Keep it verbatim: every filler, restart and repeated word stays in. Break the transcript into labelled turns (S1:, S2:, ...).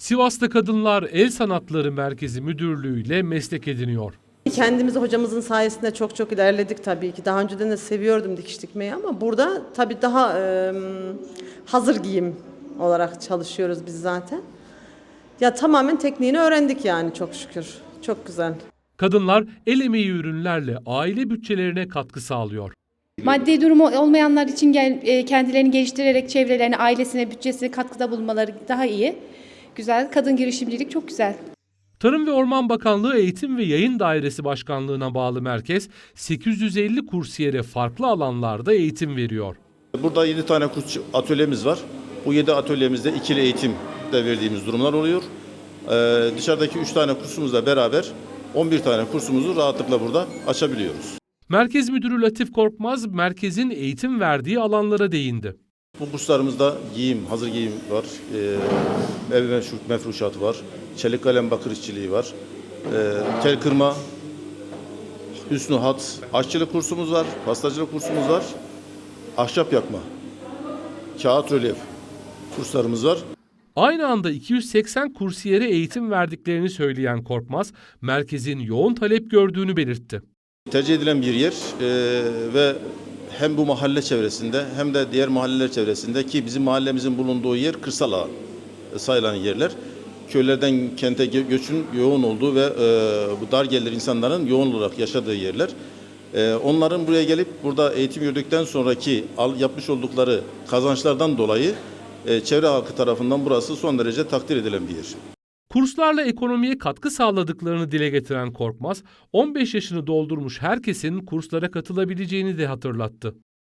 S1: Sivas'ta Kadınlar El Sanatları Merkezi Müdürlüğü ile meslek ediniyor.
S2: Kendimiz hocamızın sayesinde çok çok ilerledik tabii ki. Daha önceden de seviyordum dikiş dikmeyi ama burada tabii daha e, hazır giyim olarak çalışıyoruz biz zaten. Ya tamamen tekniğini öğrendik yani çok şükür. Çok güzel.
S1: Kadınlar el emeği ürünlerle aile bütçelerine katkı sağlıyor.
S3: Maddi durumu olmayanlar için gel, e, kendilerini geliştirerek çevrelerine, ailesine, bütçesine katkıda bulunmaları daha iyi. Güzel. Kadın girişimcilik çok güzel.
S1: Tarım ve Orman Bakanlığı Eğitim ve Yayın Dairesi Başkanlığı'na bağlı merkez sekiz yüz elli kursiyere farklı alanlarda eğitim veriyor.
S4: Burada yedi tane kurs atölyemiz var. Bu yedi atölyemizde ikili eğitim de verdiğimiz durumlar oluyor. Ee, dışarıdaki üç tane kursumuzla beraber on bir tane kursumuzu rahatlıkla burada açabiliyoruz.
S1: Merkez Müdürü Latif Korkmaz, merkezin eğitim verdiği alanlara değindi.
S4: Bu kurslarımızda giyim, hazır giyim var, e, ev mefruşatı var, çelik kalem bakır işçiliği var, e, tel kırma, hüsnü hat, aşçılık kursumuz var, pastacılık kursumuz var, ahşap yakma, kağıt rölyef kurslarımız var.
S1: Aynı anda iki yüz seksen kursiyere eğitim verdiklerini söyleyen Korkmaz, merkezin yoğun talep gördüğünü belirtti.
S4: Tercih edilen bir yer e, ve hem bu mahalle çevresinde hem de diğer mahalleler çevresinde ki bizim mahallemizin bulunduğu yer kırsal alan sayılan yerler. Köylerden kente göçün yoğun olduğu ve e, bu dar gelirli insanların yoğun olarak yaşadığı yerler. E, onların buraya gelip burada eğitim gördükten sonraki al, yapmış oldukları kazançlardan dolayı e, çevre halkı tarafından burası son derece takdir edilen bir yer.
S1: Kurslarla ekonomiye katkı sağladıklarını dile getiren Korkmaz, on beş yaşını doldurmuş herkesin kurslara katılabileceğini de hatırlattı.